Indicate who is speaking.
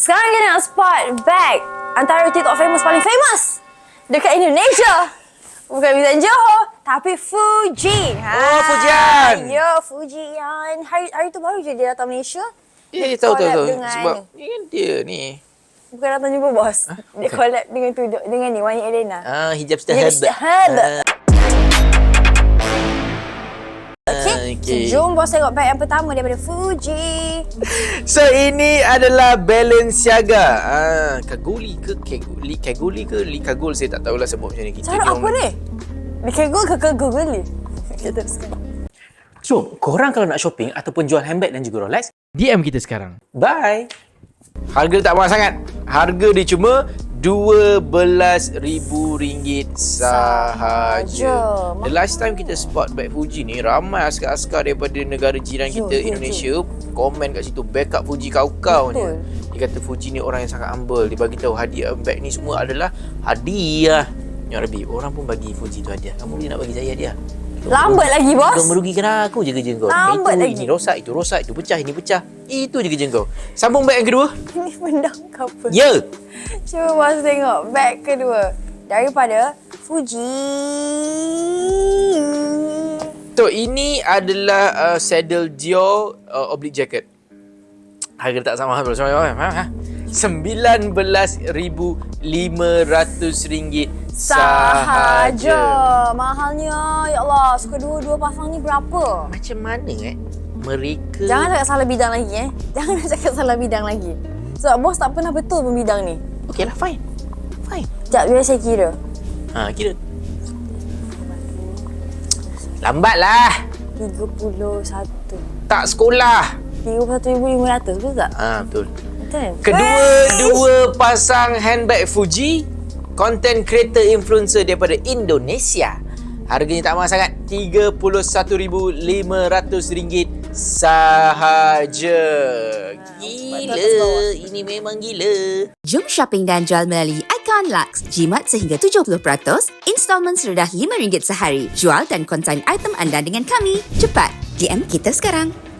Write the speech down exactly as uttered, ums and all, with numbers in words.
Speaker 1: Sekarang kita nak spot bag antara TikTok famous paling famous dekat Indonesia. Bukan Bizan Johor, tapi Fuji.
Speaker 2: Oh, Fujian.
Speaker 1: Ya, Fujian. Hari hari tu baru je dia datang Malaysia.
Speaker 2: Ya, yeah, tahu tahu tahu.
Speaker 1: Dengan,
Speaker 2: Sebab ni kan dia ni.
Speaker 1: bukan datang jumpa bos.
Speaker 2: Huh?
Speaker 1: Dia collab dengan tu dengan ni Wani Elena.
Speaker 2: Ah, hijab
Speaker 1: Hijab
Speaker 2: stahab.
Speaker 1: stahab.
Speaker 2: Ah,
Speaker 1: Okay.
Speaker 2: okay.
Speaker 1: So, jom bos tengok bag yang pertama daripada Fuji.
Speaker 2: So ini adalah Balenciaga. Ah, Kaguli ke Kaguli, Kaguli ke Li Kagul, saya tak tahulah sebut macam ni. Kita
Speaker 1: Cara apa ni? Dia kegul ke kegul ni? Kita teruskan.
Speaker 3: So, korang kalau nak shopping ataupun jual handbag dan juga Rolex,
Speaker 4: D M kita sekarang.
Speaker 3: bye!
Speaker 2: Harga tak mahal sangat. Harga dia cuma dua belas ribu ringgit sahaja.
Speaker 1: Sahaja.
Speaker 2: The last time kita spot bag Fuji ni, ramai askar-askar daripada negara jiran
Speaker 1: Yo,
Speaker 2: kita,
Speaker 1: yo,
Speaker 2: Indonesia, komen kat situ, backup Fuji kau-kau
Speaker 1: Betul.
Speaker 2: je. Dia kata Fuji ni orang yang sangat humble. Dia bagi tahu hadiah bag ni semua adalah hadiah. Ya Rabbi, orang pun bagi Fuji tu hadiah. Kamu ni nak bagi saya hadiah?
Speaker 1: Lambat lagi, bos.
Speaker 2: Kau merugikan aku je kerja kau.
Speaker 1: Lambat
Speaker 2: itu,
Speaker 1: lagi.
Speaker 2: Ini rosak, itu rosak, itu pecah, ini pecah. Itu je kerja kau. Sambung bag yang kedua.
Speaker 1: Ini benda ke apa?
Speaker 2: Ya.
Speaker 1: Cuba bos tengok bag kedua daripada Fuji.
Speaker 2: So, ini adalah uh, saddle Dior uh, oblique jacket. Harga tak sama bro. Sama ha? sembilan belas ribu lima ratus ringgit
Speaker 1: Sahaja.
Speaker 2: sahaja.
Speaker 1: Mahalnya. Ya Allah. So, kedua-dua pasang ni berapa?
Speaker 2: Macam mana eh? Mereka...
Speaker 1: Jangan cakap salah bidang lagi eh. Jangan nak cakap salah bidang lagi. Sebab bos tak pernah betul pun bidang ni.
Speaker 2: Okey lah, fine. Fine.
Speaker 1: Sekejap, biar saya kira.
Speaker 2: Ha, kira. Lambat lah.
Speaker 1: tiga puluh satu.
Speaker 2: Tak sekolah.
Speaker 1: tiga puluh satu ribu lima ratus, betul tak?
Speaker 2: Ha, betul.
Speaker 1: Betul.
Speaker 2: Kedua-dua pasang handbag Fuji, content creator influencer daripada Indonesia. Harganya tak mahal sangat, tiga puluh satu ribu lima ratus ringgit sahaja. Gila, ini memang gila.
Speaker 5: Jom shopping dan jual melalui Icon Lux. Jimat sehingga tujuh puluh peratus, installment serendah lima ringgit sehari. Jual dan konsign item anda dengan kami. Cepat, D M kita sekarang.